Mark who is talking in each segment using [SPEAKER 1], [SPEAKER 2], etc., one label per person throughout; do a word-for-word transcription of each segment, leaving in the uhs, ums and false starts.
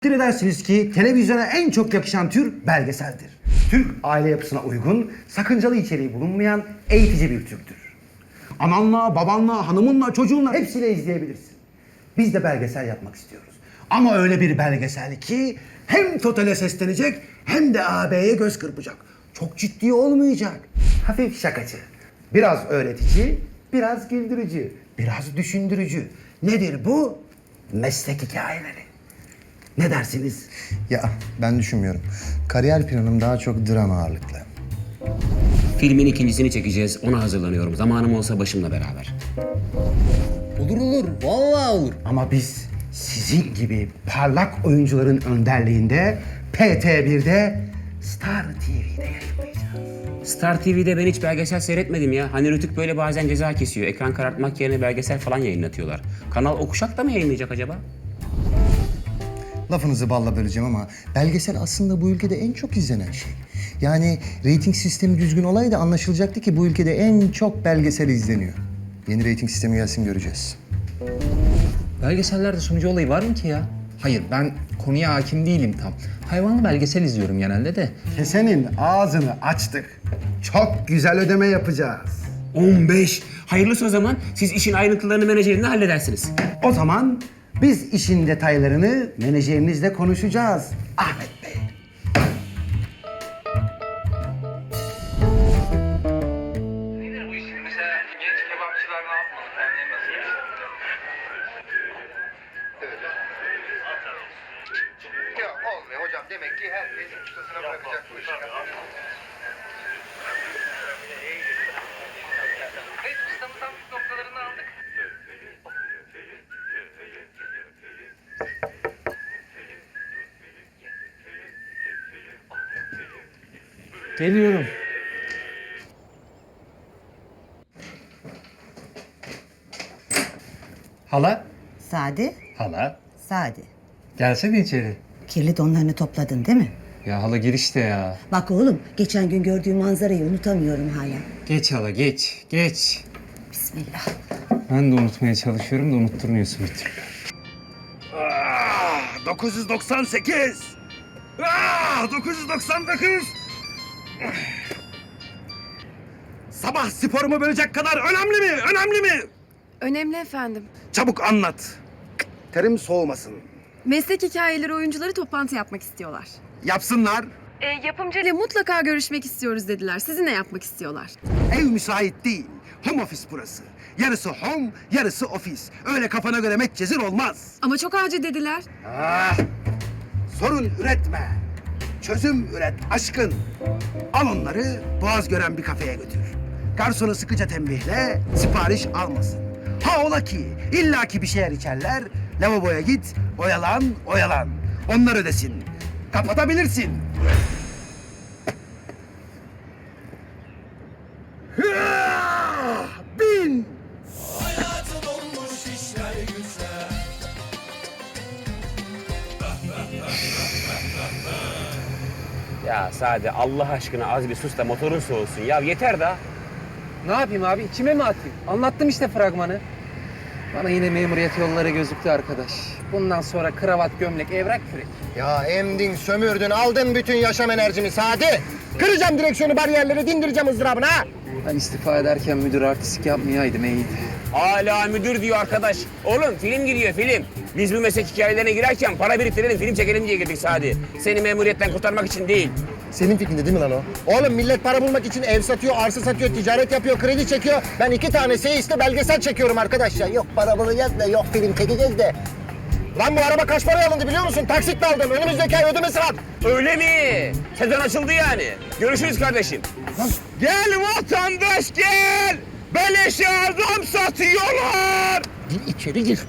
[SPEAKER 1] Takdir edersiniz ki televizyona en çok yakışan tür belgeseldir. Türk aile yapısına uygun, sakıncalı içeriği bulunmayan eğitici bir türdür. Ananla, babanla, hanımınla, çocuğunla hepsiyle izleyebilirsin. Biz de belgesel yapmak istiyoruz. Ama öyle bir belgesel ki hem totale seslenecek hem de ağabeye göz kırpacak. Çok ciddi olmayacak. Hafif şakacı, biraz öğretici, biraz güldürücü, biraz düşündürücü. Nedir bu? Meslek hikayeleri. Ne dersiniz?
[SPEAKER 2] Ya ben düşünmüyorum. Kariyer planım daha çok dram ağırlıklı.
[SPEAKER 3] Filmin ikincisini çekeceğiz. Ona hazırlanıyorum. Zamanım olsa başımla beraber.
[SPEAKER 4] Olur olur, vallahi olur.
[SPEAKER 1] Ama biz sizin gibi parlak oyuncuların önderliğinde P T bir'de Star T V'de yayınlayacağız.
[SPEAKER 3] Star T V'de ben hiç belgesel seyretmedim ya. Hani Rütük böyle bazen ceza kesiyor. Ekran karartmak yerine belgesel falan yayınlatıyorlar. Kanal Okuşak da mı yayınlayacak acaba?
[SPEAKER 2] Lafınızı balla böleceğim ama belgesel aslında bu ülkede en çok izlenen şey. Yani reyting sistemi düzgün olaydı anlaşılacaktı ki bu ülkede en çok belgesel izleniyor. Yeni reyting sistemi gelsin göreceğiz.
[SPEAKER 4] Belgesellerde sunucu olayı var mı ki ya? Hayır, ben konuya hakim değilim tam. Hayvanlı belgesel izliyorum genelde de.
[SPEAKER 1] Kesenin ağzını açtık. Çok güzel ödeme yapacağız.
[SPEAKER 3] on beş. Hayırlısı o zaman. Siz işin ayrıntılarını menajerinle halledersiniz.
[SPEAKER 1] O zaman biz işin detaylarını menajerinizle konuşacağız. Ahmet Bey.
[SPEAKER 5] Nedir bu işin? Mesela genç kebapçılar ne yapmalı? Kendileri nasıl yetiştirmeli?
[SPEAKER 2] Ya olmuyor hocam demek ki herkes ustasına bırakacak bu işi.
[SPEAKER 5] Evet, ustamızdan püf noktalarını aldık.
[SPEAKER 4] Geliyorum. Hala?
[SPEAKER 6] Sadi,
[SPEAKER 4] Hala.
[SPEAKER 6] Sadi.
[SPEAKER 4] Gelsene içeri.
[SPEAKER 6] Kirli donlarını topladın değil mi?
[SPEAKER 4] Ya hala girişte ya.
[SPEAKER 6] Bak oğlum, geçen gün gördüğüm manzarayı unutamıyorum hala.
[SPEAKER 4] Geç hala geç, geç.
[SPEAKER 6] Bismillah.
[SPEAKER 4] Ben de unutmaya çalışıyorum da unutturmuyorsun bir türlü.
[SPEAKER 1] dokuz yüz doksan sekiz. Ah, dokuz yüz doksan dokuz. Sabah sporumu bölecek kadar önemli mi? Önemli mi?
[SPEAKER 7] Önemli efendim.
[SPEAKER 1] Çabuk anlat. Terim soğumasın.
[SPEAKER 7] Meslek hikayeleri oyuncuları toplantı yapmak istiyorlar.
[SPEAKER 1] Yapsınlar.
[SPEAKER 7] E, yapımcıyla mutlaka görüşmek istiyoruz dediler. Sizinle yapmak istiyorlar.
[SPEAKER 1] Ev müsait değil. Home office burası. Yarısı home, yarısı ofis. Öyle kafana göre metcezir olmaz.
[SPEAKER 7] Ama çok acil dediler.
[SPEAKER 1] Ah, sorun üretme. Çözüm üret aşkın. Al onları boğaz gören bir kafeye götür. Garsonu sıkıca tembihle sipariş almasın. Ha ola ki illaki bir şeyler içerler. Lavaboya git, oyalan, oyalan. Onlar ödesin. Kapatabilirsin. Hıah! Bin!
[SPEAKER 3] Ya Sade Allah aşkına az bir sus da motorun soğusun. Ya yeter da.
[SPEAKER 4] Ne yapayım abi? İçime mi atayım? Anlattım işte fragmanı. Bana yine memuriyet yolları gözüktü arkadaş. Bundan sonra kravat, gömlek, evrak, kürek.
[SPEAKER 2] Ya emdin, sömürdün, aldın bütün yaşam enerjimi Sadi. Kıracağım direksiyonu, bariyerleri, dindireceğim ızdırabını ha.
[SPEAKER 4] Ben istifa ederken müdür artistik yapmayaydım iyiydi.
[SPEAKER 3] Hala müdür diyor arkadaş. Oğlum film giriyor film. Biz bu meslek hikayelerine girerken para biriktirelim, film çekelim diye girdik Sadi. Seni memuriyetten kurtarmak için değil.
[SPEAKER 2] Senin fikrinde değil mi lan o? Oğlum millet para bulmak için ev satıyor, arsa satıyor, ticaret yapıyor, kredi çekiyor. Ben iki tane seyiste belgesel çekiyorum arkadaş ya. Yok para bulacağız da, yok film çekeceğiz de. Lan bu araba kaç paraya alındı biliyor musun? Taksitle aldım. Önümüzdeki ay ödemesi var.
[SPEAKER 3] Öyle mi? Sezon açıldı yani. Görüşürüz kardeşim. Gel vatandaş gel. Beleşe adam satıyorlar.
[SPEAKER 2] Gir içeri gir.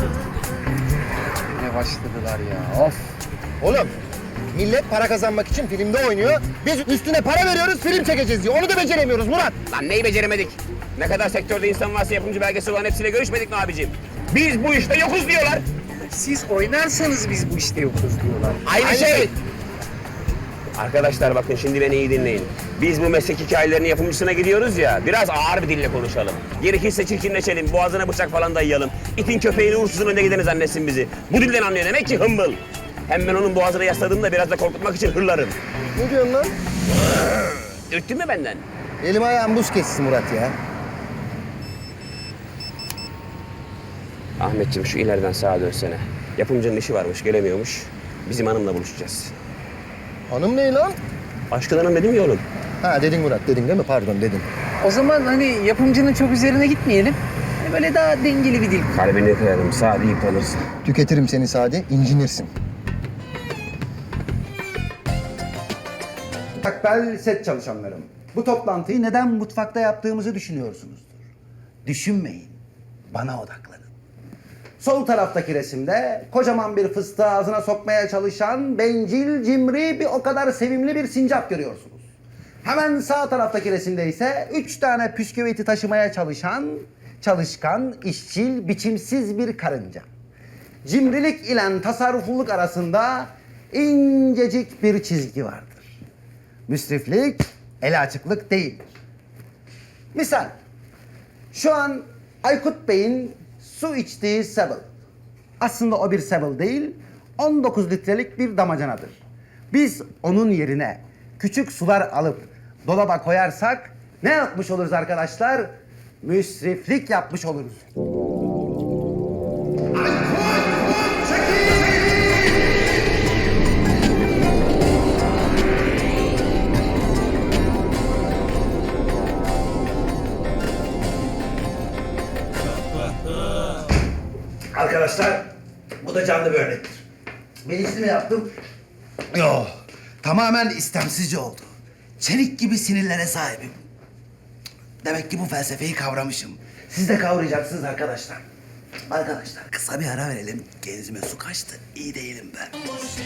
[SPEAKER 4] Ne başladılar ya, of.
[SPEAKER 2] Oğlum millet para kazanmak için filmde oynuyor. Biz üstüne para veriyoruz, film çekeceğiz diyor. Onu da beceremiyoruz Murat.
[SPEAKER 3] Lan neyi beceremedik? Ne kadar sektörde insan varsa yapımcı belgesi olan hepsiyle görüşmedik mi abicim? Biz bu işte yokuz diyorlar.
[SPEAKER 4] Siz oynarsanız biz bu işte yokuz diyorlar.
[SPEAKER 3] Aynı,
[SPEAKER 2] Aynı
[SPEAKER 3] şey.
[SPEAKER 2] şey.
[SPEAKER 3] Arkadaşlar bakın şimdi beni iyi dinleyin. Biz bu meslek hikayelerinin yapımcısına gidiyoruz ya, biraz ağır bir dille konuşalım. Gerekirse çirkinleşelim, boğazına bıçak falan dayayalım. İtin köpeğini uğursuzun önüne gideni zannetsin bizi. Bu dilden anlıyor demek ki hımbıl. Hem ben onun boğazına yasladığımda biraz da korkutmak için hırlarım.
[SPEAKER 2] Ne diyorsun lan?
[SPEAKER 3] Ürktün mü benden?
[SPEAKER 2] Elim ayağım buz kessin Murat ya.
[SPEAKER 3] Ahmetciğim şu ileriden sağa dönsene. Yapımcının işi varmış, gelemiyormuş. Bizim hanımla buluşacağız.
[SPEAKER 2] Hanım ne lan?
[SPEAKER 3] Aşkın hanım dedim ya oğlum.
[SPEAKER 2] Ha dedin Murat dedin değil mi? Pardon dedin.
[SPEAKER 4] O zaman hani yapımcının çok üzerine gitmeyelim. Hani böyle daha dengeli bir dil.
[SPEAKER 3] Kalbini kırarım, sağ deyip kalırsın.
[SPEAKER 2] Tüketirim seni Sadi, incinirsin.
[SPEAKER 1] Takbel set çalışanlarım. Bu toplantıyı neden mutfakta yaptığımızı düşünüyorsunuzdur. Düşünmeyin. Bana odaklanın. Sol taraftaki resimde kocaman bir fıstığı ağzına sokmaya çalışan bencil, cimri, bir o kadar sevimli bir sincap görüyorsunuz. Hemen sağ taraftaki resimde ise üç tane püsküviti taşımaya çalışan, çalışkan, işçil, biçimsiz bir karınca. Cimrilik ile tasarrufluluk arasında incecik bir çizgi vardır. Müsriflik, ele açıklık değildir. Misal, şu an Aykut Bey'in su içtiği Sebel. Aslında o bir Sebel değil, on dokuz litrelik bir damacanadır. Biz onun yerine küçük sular alıp dolaba koyarsak ne yapmış oluruz arkadaşlar? Müsriflik yapmış oluruz. Arkadaşlar, bu da canlı bir örnektir. Bilinçli mi yaptım? Yok, tamamen istemsizce oldu. Çelik gibi sinirlere sahibim. Demek ki bu felsefeyi kavramışım. Siz de kavrayacaksınız arkadaşlar. Arkadaşlar, kısa bir ara verelim. Genzime su kaçtı, iyi değilim ben.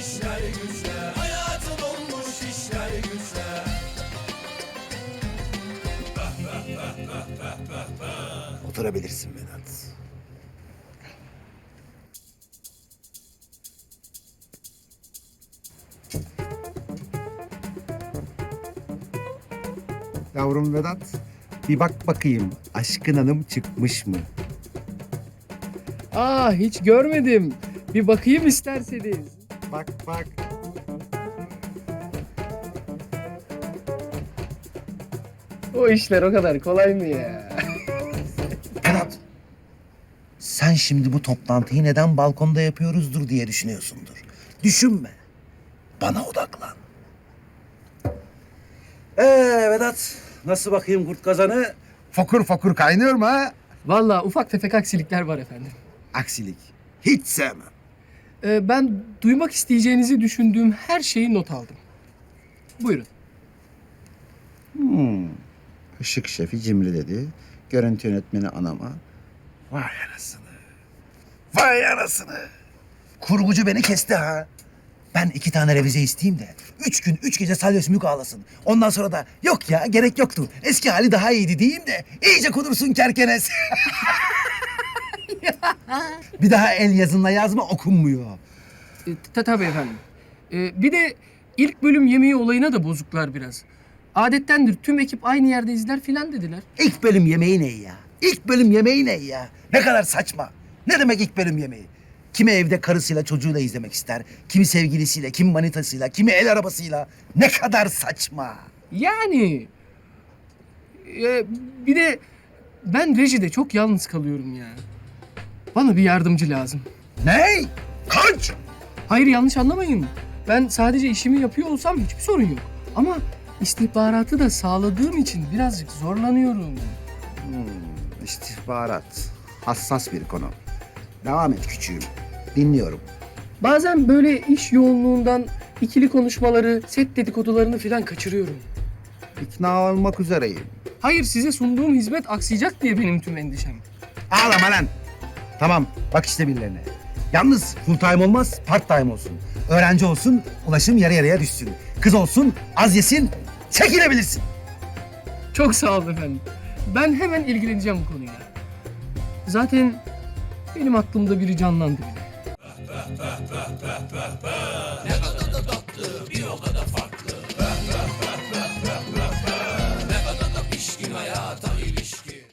[SPEAKER 1] Oturabilirsin Vedat. Yavrum Vedat, bir bak bakayım Aşkın Hanım çıkmış mı?
[SPEAKER 8] Aa hiç görmedim. Bir bakayım isterseniz.
[SPEAKER 1] Bak bak.
[SPEAKER 8] O işler o kadar kolay mı ya?
[SPEAKER 1] Vedat, sen şimdi bu toplantıyı neden balkonda yapıyoruzdur diye düşünüyorsundur. Düşünme, bana odaklan. Ee Vedat, nasıl bakayım kurt kazanı? Fokur fokur kaynıyor mu ha?
[SPEAKER 8] Vallahi ufak tefek aksilikler var efendim.
[SPEAKER 1] Aksilik, hiç sevmem.
[SPEAKER 8] Ee, ben duymak isteyeceğinizi düşündüğüm her şeyi not aldım. Buyurun.
[SPEAKER 1] Işık şefi cimri dedi, görüntü yönetmeni anama. Vay anasını, vay anasını. Kurgucu beni kesti ha. Ben iki tane revize isteyeyim de üç gün, üç gece salya sümük ağlasın. Ondan sonra da yok ya gerek yoktu. Eski hali daha iyiydi diyeyim de iyice kudursun kerkenes. Bir daha el yazınla yazma okunmuyor.
[SPEAKER 8] Ee, ta- tabii efendim. Ee, bir de ilk bölüm yemeği olayına da bozuklar biraz. Adettendir tüm ekip aynı yerde izler filan dediler.
[SPEAKER 1] İlk bölüm yemeği ne ya? İlk bölüm yemeği ne ya? Ne kadar saçma. Ne demek ilk bölüm yemeği? Kimi evde karısıyla çocuğuyla izlemek ister. Kimi sevgilisiyle, kimi manitasıyla, kimi el arabasıyla. Ne kadar saçma.
[SPEAKER 8] Yani e, bir de ben rejide çok yalnız kalıyorum ya. Bana bir yardımcı lazım.
[SPEAKER 1] Ne? Kaç?
[SPEAKER 8] Hayır yanlış anlamayın. Ben sadece işimi yapıyor olsam hiçbir sorun yok. Ama istihbaratı da sağladığım için birazcık zorlanıyorum.
[SPEAKER 1] İstihbarat. Hassas bir konu. Devam et küçüğüm. Dinliyorum.
[SPEAKER 8] Bazen böyle iş yoğunluğundan ikili konuşmaları, set dedikodularını falan kaçırıyorum.
[SPEAKER 1] İkna olmak üzereyim.
[SPEAKER 8] Hayır size sunduğum hizmet aksayacak diye benim tüm endişem.
[SPEAKER 1] Ağlama lan. Tamam, bak işte birilerine. Yalnız full time olmaz, part time olsun. Öğrenci olsun, ulaşım yarı yarıya düşsün. Kız olsun, az yesin, çekilebilirsin.
[SPEAKER 8] Çok sağ olun efendim. Ben hemen ilgileneceğim bu konuyla. Zaten benim aklımda biri canlandı bile.